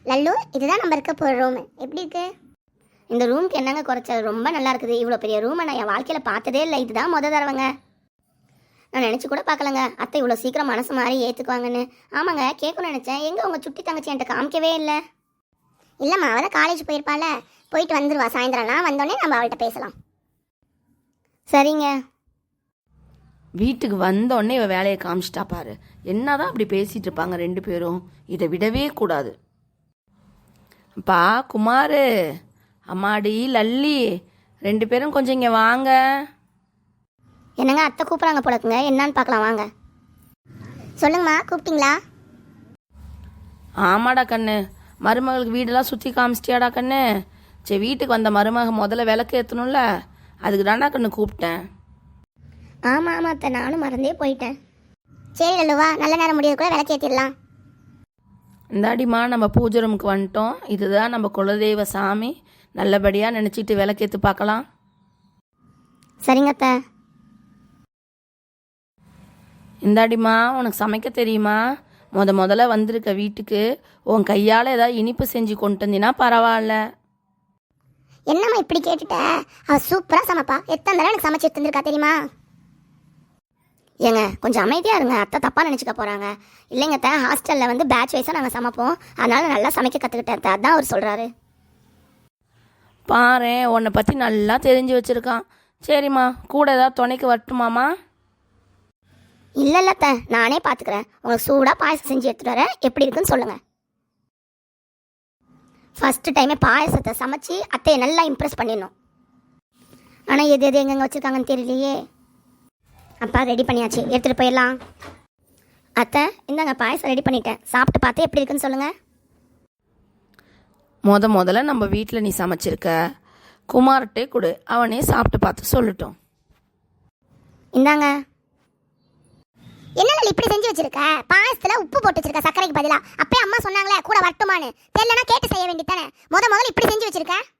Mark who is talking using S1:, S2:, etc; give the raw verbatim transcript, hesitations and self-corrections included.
S1: லல்லு, இதுதான் நம்ம இருக்க போகிற ரூம். எப்படி இருக்கு? இந்த ரூமுக்கு என்னங்க குறைச்சல்? ரொம்ப நல்லா இருக்குது. இவ்வளோ பெரிய ரூமை நான் என் வாழ்க்கையில் பார்த்ததே இல்லை. இதுதான் முத தடவைங்க. நான் நினச்சி கூட பார்க்கலங்க அத்தை இவ்வளோ சீக்கிரம் மனசு மாதிரி ஏற்றுக்குவாங்கன்னு. ஆமாங்க, கேட்கணும்னு நினச்சேன். எங்கே உங்கள் சுட்டி தங்கச்சி என்கிட்ட காமிக்கவே இல்லை. இல்லைம்மா, அவள் தான் காலேஜ் போயிருப்பாள். போயிட்டு வந்துடுவா சாயந்தரம்லாம். வந்தோடனே நம்ம அவள்கிட்ட பேசலாம். சரிங்க.
S2: வீட்டுக்கு வந்தோடனே இவ வேலையை காமிச்சிட்டா பாரு. என்னதான் அப்படி பேசிகிட்டு இருப்பாங்க ரெண்டு பேரும். இதை விடவே கூடாது. அப்பா குமார், அம்மாடி லல்லி, ரெண்டு பேரும் கொஞ்சம் இங்கே வாங்க.
S1: என்னங்க, அத்தை கூப்பிட்றாங்க போலக்குங்க. என்னான்னு பார்க்கலாம் வாங்க. சொல்லுங்கம்மா, கூப்பிட்டீங்களா?
S2: ஆமாடா கண்ணு, மருமகளுக்கு வீடெல்லாம் சுற்றி காமிச்சிட்டியாடா கண்ணு. சரி, வீட்டுக்கு வந்த மருமக முதல்ல விளக்கு ஏற்றணும்ல, அதுக்கு தாண்டா கண்ணு கூப்பிட்டேன்.
S1: ஆமாம் ஆமாம் அத்தை, நானும் மறந்தே போயிட்டேன். சரி லல்லுவா, நல்ல நேரம் முடியாது கூட விளக்கு ஏற்றிடலாம்.
S2: இந்தாடிம்மா, நம்ம பூஜை ரூமுக்கு வந்துட்டோம். இதுதான் நம்ம குலதெய்வ சாமி. நல்லபடியாக நினச்சிட்டு விளக்கேற்று பார்க்கலாம்.
S1: சரிங்க அத்தை.
S2: இந்தாடிம்மா, உனக்கு சமைக்க தெரியுமா? முத முதல்ல வந்திருக்க வீட்டுக்கு உன் கையால் ஏதாவது இனிப்பு செஞ்சு கொண்டு வந்தீங்கன்னா பரவாயில்ல.
S1: என்னம்மா இப்படி கேட்டுட்ட? அவள் சூப்பராக சமைப்பா. எத்தனை தடவை எனக்கு சமைச்சு எடுத்துருக்கா தெரியுமா? ஏங்க, கொஞ்சம் அமைதியாக இருங்க. அத்தை தப்பாக நினச்சிக்க போகிறாங்க. இல்லைங்க அத்தை, ஹாஸ்டலில் வந்து பேட்ச் வைஸாக நாங்கள் சமைப்போம். அதனால் நல்லா சமைக்க கற்றுக்கிட்டேன் அத்தை. அதான் அவர் சொல்கிறாரு.
S2: பாரு, உன்னை பற்றி நல்லா தெரிஞ்சு வச்சுருக்கான். சரிம்மா, கூட ஏதாவது துணைக்கு வரட்டுமாம்மா?
S1: இல்லை இல்லை அத்தை, நானே பார்த்துக்கிறேன். உங்களுக்கு சூடாக பாயசம் செஞ்சு எடுத்துகிட்டு வரேன். எப்படி இருக்குன்னு சொல்லுங்கள். ஃபஸ்ட்டு டைமே பாயசத்தை சமைச்சு அத்தையை நல்லா இம்ப்ரெஸ் பண்ணிடணும். ஆனால் எது எது எங்கெங்கே வச்சுருக்காங்கன்னு தெரியலையே. அப்பா ரெடி பண்ணியாச்சு, எடுத்துகிட்டு போயிடலாம். அத்தை இந்தாங்க, பாயசம் ரெடி பண்ணிட்டேன். சாப்பிட்டு பார்த்து எப்படி இருக்குன்னு சொல்லுங்கள்.
S2: முத முதல்ல நம்ம வீட்டில் நீ சமைச்சிருக்க. குமார்கிட்டே கொடு, அவனே சாப்பிட்டு பார்த்து சொல்லட்டும்.
S1: இந்தாங்க. என்ன இப்படி செஞ்சு வச்சிருக்க? பாயசத்துல உப்பு போட்டு வச்சிருக்க சர்க்கரைக்கு பதிலா. அப்பயே அம்மா சொன்னாங்களே கூட வரட்டுமான்னு. தெரியலனா கேட்டு செய்ய வேண்டியதானே. முத முதல்ல இப்படி செஞ்சு வச்சிருக்க.